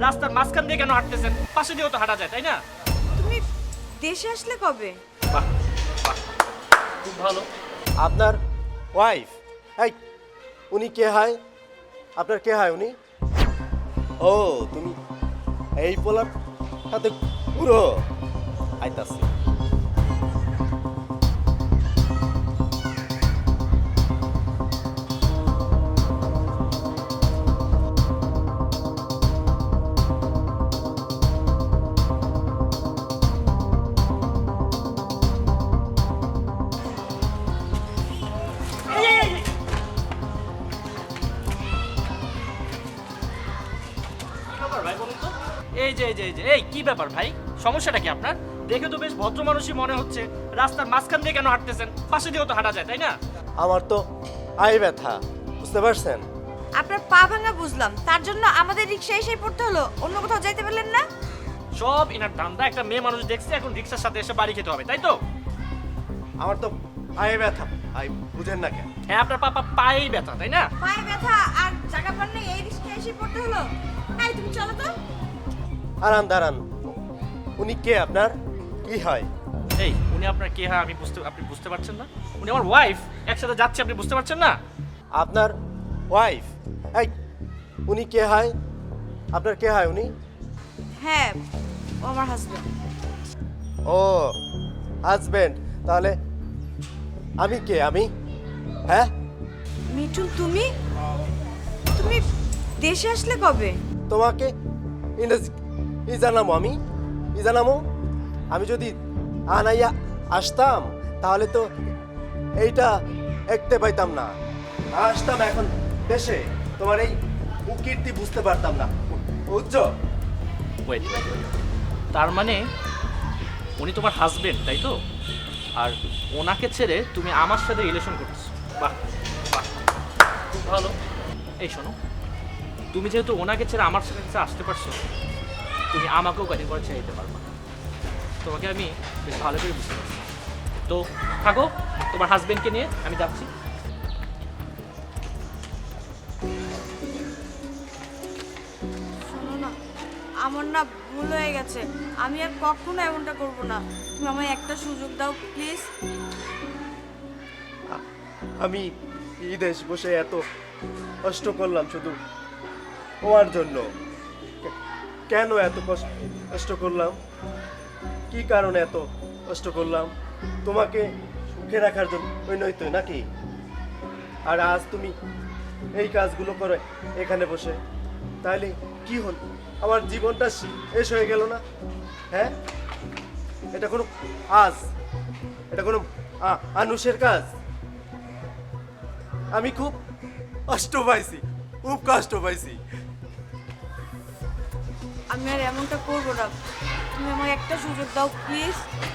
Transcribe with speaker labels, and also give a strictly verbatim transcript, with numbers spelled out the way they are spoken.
Speaker 1: রাস্তার মাঝখান দিয়ে কেন হাঁটতেছেন? পাশে দিয়েও তো হাঁটা যায়, তাই না?
Speaker 2: তুমি দেশে আসলে কবে?
Speaker 1: বাহ বাহ, খুব ভালো।
Speaker 3: আপনার ওয়াইফ? এই উনি কে হয়? আপনার কে হয় উনি? ও তুমি এই পোলার সাথে পুরো আইতাছি।
Speaker 1: এই, এই, এই, এই। কি ব্যাপার ভাই বলুন তো? এই যে এই যে এই যে এই কি ব্যাপার ভাই, সমস্যাটা কি আপনার? দেখে তো বেশ ভদ্র মানুষই মনে হচ্ছে, রাস্তার মাঝখান দিয়ে কেন হাঁটতেছেন? পাশে দিয়েও তো হাঁটা যায়, তাই না?
Speaker 3: আমার তো আই ব্যথা, বুঝতে পারছেন?
Speaker 2: আপনার পা ভাঙা বুঝলাম, তার জন্য আমাদের রিক্সা এসে পড়তে হলো। অন্য কোথাও যাইতে পারলেন না?
Speaker 1: সব ইনার ধান্দা। একটা মেয়ে মানুষ দেখছে, এখন রিক্সার সাথে এসে বাড়ি খেতে হবে, তাই তো?
Speaker 3: আমার তো আই ব্যথা, আই বুঝেন না কেন?
Speaker 1: হ্যাঁ, আপনার পাপা পায়েই ব্যথা, তাই না?
Speaker 2: পায়ে ব্যথা আর জায়গা পান নেই, এই রিক্সা এসে পড়তে হলো। এই তুমি চলো তো।
Speaker 3: আরান দাঁড়ান, উনি কে আপনার? কি হয়?
Speaker 1: এই উনি আপনার কে হয় আমি বুঝতে, আপনি বুঝতে পারছেন না? উনি আমার ওয়াইফ, একসাথে যাচ্ছে, আপনি বুঝতে পারছেন না?
Speaker 3: আপনার ওয়াইফ? এই উনি কে হয়? আপনার কে হয় উনি?
Speaker 2: হ্যাঁ, ও আমার হাজবেন্ড।
Speaker 3: ও হাজবেন্ড, তাহলে আমি কে? আমি হ্যাঁ
Speaker 2: মিঠুন, তুমি তুমি দেশে আসলে কবে?
Speaker 3: তোমাকে ইংরেজি ই জানামো, আমি ই জানামো। আমি যদি আনাইয়া আসতাম তাহলে তো এইটা দেখতে পাইতাম না। আসতাম এখন দেশে, তোমার এই উকীর্তি বুঝতে পারতাম না, বুঝছো?
Speaker 1: ওয়েট, তার মানে উনি তোমার হাজবেন্ড, তাই তো? আর ওনাকে ছেড়ে তুমি আমার সাথে রিলেশন করতেছো? বাহ বাহ, খুব ভালো। এই শোনো, তুমি যেহেতু ওনাকে ছেড়ে আমার সাথে কাছে আসতে পারছো, তুমি আমাকেও কদিন পরে ছেড়ে দিতে পারবে না। তোমাকে আমি বেশ ভালো করে বুঝতে পারছি। তো থাকো, তোমার হাজবেন্ডকে নিয়ে আমি যাচ্ছি।
Speaker 2: শোনো না, আমার না ভুল হয়ে গেছে। আমি আর কখনো এমনটা করব না। তুমি আমায় একটা সুযোগ দাও প্লিজ।
Speaker 3: আমি এই দেশ বসে এত কষ্ট করলাম শুধু তোমার জন্য। কে- কেন এত কষ্ট কষ্ট করলাম? কি কারণে এত কষ্ট করলাম? তোমাকে সুখে রাখার জন্য ওই নয়তো নাকি? আর আজ তুমি এই কাজগুলো করে এখানে বসে, তাহলে কি হল? আমার জীবনটা শেষ হয়ে গেল না? হ্যাঁ, এটা কোনো আজ, এটা কোনো আ- মানুষের কাজ? আমি খুব কষ্ট পাইছি, খুব কষ্ট পাইছি।
Speaker 2: আমি আর এমনটা করব না। তুমি আমায় একটা সুযোগ দাও প্লিজ।